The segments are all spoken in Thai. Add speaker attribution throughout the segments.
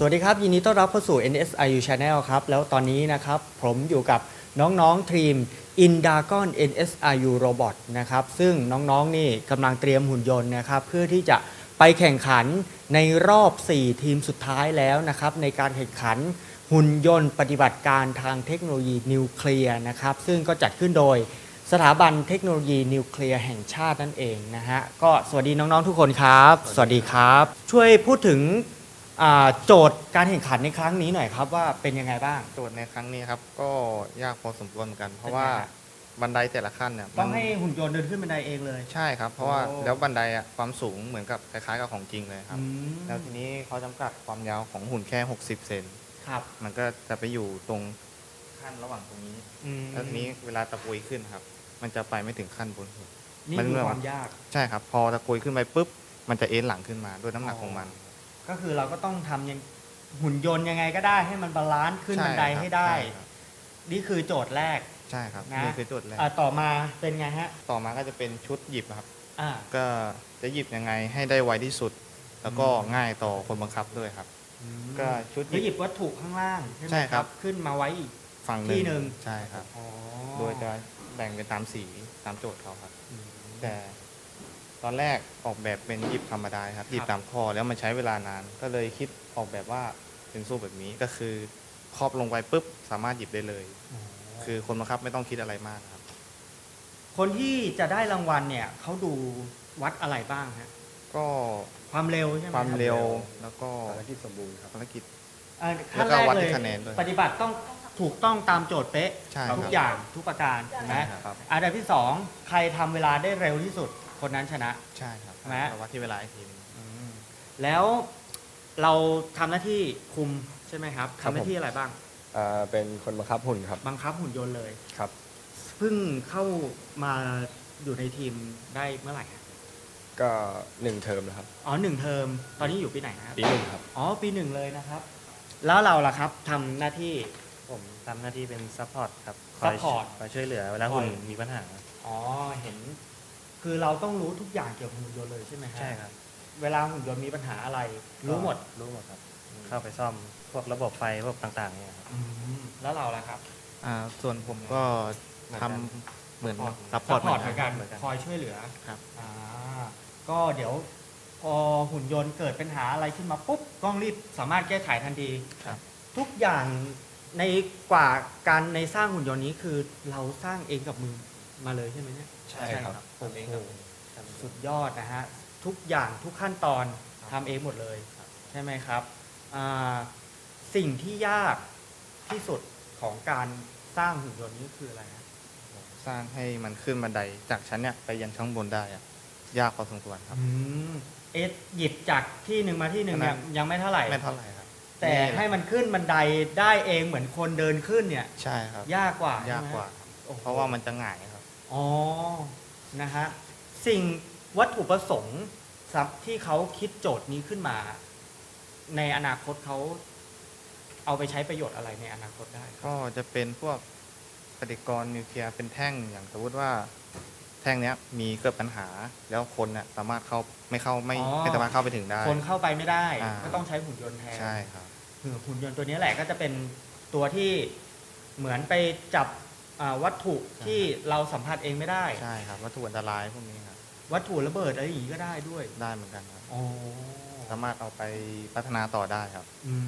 Speaker 1: วัสดีครับยินดีต้อนรับเข้าสู่ NSIU Channel ครับแล้วตอนนี้นะครับผมอยู่กับน้องๆทีม Indagon NSIU Robot นะครับซึ่งน้องๆนี่กำลังเตรียมหุ่นยนต์นะครับเพื่อที่จะไปแข่งขันในรอบ 4 ทีมสุดท้ายแล้วนะครับในการแข่งขันหุ่นยนต์ปฏิบัติการทางเทคโนโลยีนิวเคลียร์นะครับซึ่งก็จัดขึ้นโดยสถาบันเทคโนโลยีนิวเคลียร์แห่งชาตินั่นเองนะฮะก็สวัสดีน้องๆทุกคนครับสวัสดีครับช่วยพูดถึงโจทย์การแข่งขันในครั้งนี้หน่อยครับว่าเป็นยังไงบ้าง
Speaker 2: โจทย์ในครั้งนี้ครับก็ยากพอสมควรเหมือนกัน เพราะว่าบันไดแต่ละขั้นเนี่ย
Speaker 1: ต้องให้หุ่นยนต์เดินขึ้นบันไดเองเลย
Speaker 2: ใช่ครับเพราะว่าแล้วบันไดอะความสูงเหมือนกับคล้ายๆกับของจริงเลยครับแล้วทีนี้เขาจำกัดความยาวของหุ่นแค่60เซน
Speaker 1: ครับ
Speaker 2: มันก็จะไปอยู่ตรงขั้นระหว่างตรงนี้แล้วทีนี้เวลาตะกุยขึ้นครับมันจะไปไม่ถึงขั้นบนหุ่น
Speaker 1: นี่คือความยาก
Speaker 2: ใช่ครับพอตะกุยขึ้นไปปุ๊บมันจะเอ็นหลังขึ้นมาด้วยน้ำหนักของมัน
Speaker 1: ก็คือเราก็ต้องทำยังหุ่นยนต์ยังไงก็ได้ให้มันบาลานซ์ขึ้นบันไดให้ได้นี่คือโจทย์แรก
Speaker 2: ใช่ครับ
Speaker 1: นะ
Speaker 2: นี่คือโจทย์แรก
Speaker 1: ต่อมาเป็นไงฮะ
Speaker 2: ต่อมาก็จะเป็นชุดหยิบครับ
Speaker 1: ก็
Speaker 2: จะหยิบยังไงให้ได้ไวที่สุด แล้วก็ง่ายต่อคนบังคับด้วยครับก็ชุด
Speaker 1: หยิบวัตถุข้างล่าง
Speaker 2: ใช่ครับ
Speaker 1: ขึ้นมาไว้อีก
Speaker 2: ฝั่ง
Speaker 1: ที่หนึ่ง
Speaker 2: ใช่ครับโดยจะแบ่งเป็นตามสีตามโจทย์เขาครับแต่ตอนแรกออกแบบเป็นหยิบธรรมดาครับหยิบตามข้อแล้วมันใช้เวลานานก็เลยคิดออกแบบว่าเป็นสู้แบบนี้ก็คือครอบลงไปปุ๊บสามารถหยิบได้เลยคือคนบังคับไม่ต้องคิดอะไรมากครับ
Speaker 1: คนที่จะได้รางวัลเนี่ยเขาดูวัดอะไรบ้างฮะ
Speaker 2: ก็
Speaker 1: ความเร็วใช่ไหม
Speaker 2: ความเร็วแล้วก็
Speaker 3: ภารกิจสมบูรณ์ครับ
Speaker 2: ภารกิจ
Speaker 1: ขั้นแรกเลยปฏิบัติต้องถูกต้องตามโจทย์เป๊ะทุกอย่างทุกประการใช่ไหมอันดับที่2ใครทำเวลาได้เร็วที่สุดคนนั้นชนะ
Speaker 2: ใช่ครับวัดที่เวลาอีกทีนึง
Speaker 1: แล้วเราทำหน้าที่คุมใช่ไหมครับทำหน้าที่อะไรบ้าง
Speaker 3: เป็นคนบังคับหุ่นครับ
Speaker 1: บังคับหุ่นยนต์เลย
Speaker 3: ครับ
Speaker 1: เพิ่งเข้ามาอยู่ในทีมได้เมื่อไหร่
Speaker 3: ก็1 เทอมแล้วครับ
Speaker 1: 1 เทอมตอนนี้อยู่ปีไหนครับ
Speaker 3: ปี 1ครับ
Speaker 1: ปี 1เลยนะครับแล้วเราล่ะครับทำหน้าที่
Speaker 4: ผมทำหน้าที่เป็นซัพพอร์ตครับ
Speaker 1: ค
Speaker 4: อยช่วยเหลือเวลาหุ่นมีปัญหา
Speaker 1: เห็นคือเราต้องรู้ทุกอย่างเกี่ยวกับหุ่นยนต์เลยใช่ไหมครับ
Speaker 4: ใช่ครับ
Speaker 1: เวลาหุ่นยนต์มีปัญหาอะไรรู้หมด
Speaker 4: ครับเข้าไปซ่อมพวกระบบไฟพวกต่างๆเนี่ยครับ
Speaker 1: แล้วเราล่ะครับ
Speaker 2: ส่วนผมก็ทำเหมือนซัพพอร์ต
Speaker 1: เหมือนกันคอยช่วยเหลือ
Speaker 2: ครับ
Speaker 1: ก็เดี๋ยวพอหุ่นยนต์เกิดปัญหาอะไรขึ้นมาปุ๊บกล้องรีบสามารถแก้ไขทันทีทุกอย่างในกว่าการในสร้างหุ่นยนต์นี้คือเราสร้างเองกับมือมาเลยใช่ไหมเนี่ย
Speaker 3: ใช่ครับ
Speaker 1: โอ้โหสุดยอดนะฮะทุกอย่างทุกขั้นตอนทำเองหมดเลยใช่ไหมครับสิ่งที่ยากที่สุดของการสร้างหุ่นยนต์นี้คืออะไรครับ
Speaker 2: สร้างให้มันขึ้นบันไดจากชั้นเนี่ยไปยันข้างบนได้ยากพอสมควรครับ
Speaker 1: หยิบจากที่หนึ่งมาที่หนึ่งเนี่ยยังไม่เท่าไหร่
Speaker 2: ครับ
Speaker 1: แต่ให้มันขึ้นบันไดได้เองเหมือนคนเดินขึ้นเนี่ย
Speaker 2: ใช่ครับ
Speaker 1: ยากกว่า
Speaker 2: เพราะว่ามันจะง่ายครับ
Speaker 1: นะฮะสิ่งวัตถุประสงค์ที่เขาคิดโจทย์นี้ขึ้นมาในอนาคตเขาเอาไปใช้ประโยชน์อะไรในอนาคตได้
Speaker 2: ก็จะเป็นพวกปฏิกรณ์นิวเคลียร์เป็นแท่งอย่างสมมติว่าแท่งนี้มีเกิดปัญหาแล้วคนเนี่ยสามารถไม่สามารถเข้าไปถึงได้
Speaker 1: คนเข้าไปไม่ได้ก็ต้องใช้หุ่นยนต์แทน
Speaker 2: ใช่ครับ
Speaker 1: หุ่นยนต์ตัวนี้แหละก็จะเป็นตัวที่เหมือนไปจับวัตถุที่เราสัมผัสเองไม่ได้
Speaker 2: ใช่ครับวัตถุอันตรายพวกนี้ครับ
Speaker 1: วัตถุระเบิดอะไรอย่างนี้ก็ได้ด้วย
Speaker 2: ได้เหมือนกันครับสามารถเอาไปพัฒนาต่อได้ครับ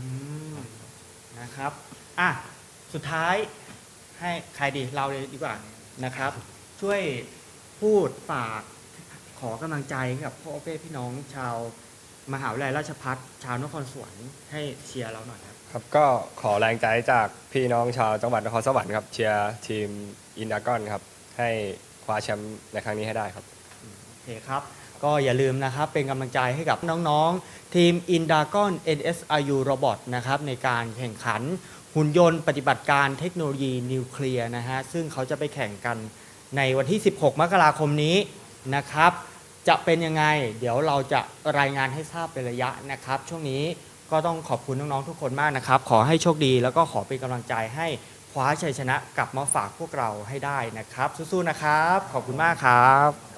Speaker 1: นะครับสุดท้ายให้ใครดีเราเลยดีกว่านะครับช่วยพูดฝากขอกำลังใจกับพ่อแม่พี่น้องชาวมหาวิทยาลัยราชภัฏชาวนครสวรรค์ให้เชียร์เราหน่อยครับ
Speaker 3: ครับก็ขอแรงใจจากพี่น้องชาวจังหวัดนครสวรรค์ครับเชียร์ทีมอินดากอนครับให้คว้าแชมป์ในครั้งนี้ให้ได้ครับ
Speaker 1: โอเคครับก็อย่าลืมนะครับเป็นกำลังใจให้กับน้องๆทีม Indagon NSIU Robot นะครับในการแข่งขันหุ่นยนต์ปฏิบัติการเทคโนโลยีนิวเคลียร์นะฮะซึ่งเขาจะไปแข่งกันในวันที่16 มกราคมนี้นะครับจะเป็นยังไงเดี๋ยวเราจะรายงานให้ทราบเป็นระยะนะครับช่วงนี้ก็ต้องขอบคุณน้องๆทุกคนมากนะครับขอให้โชคดีแล้วก็ขอเป็นกำลังใจให้คว้าชัยชนะกลับมาฝากพวกเราให้ได้นะครับสู้ๆนะครับขอบคุณมากครับ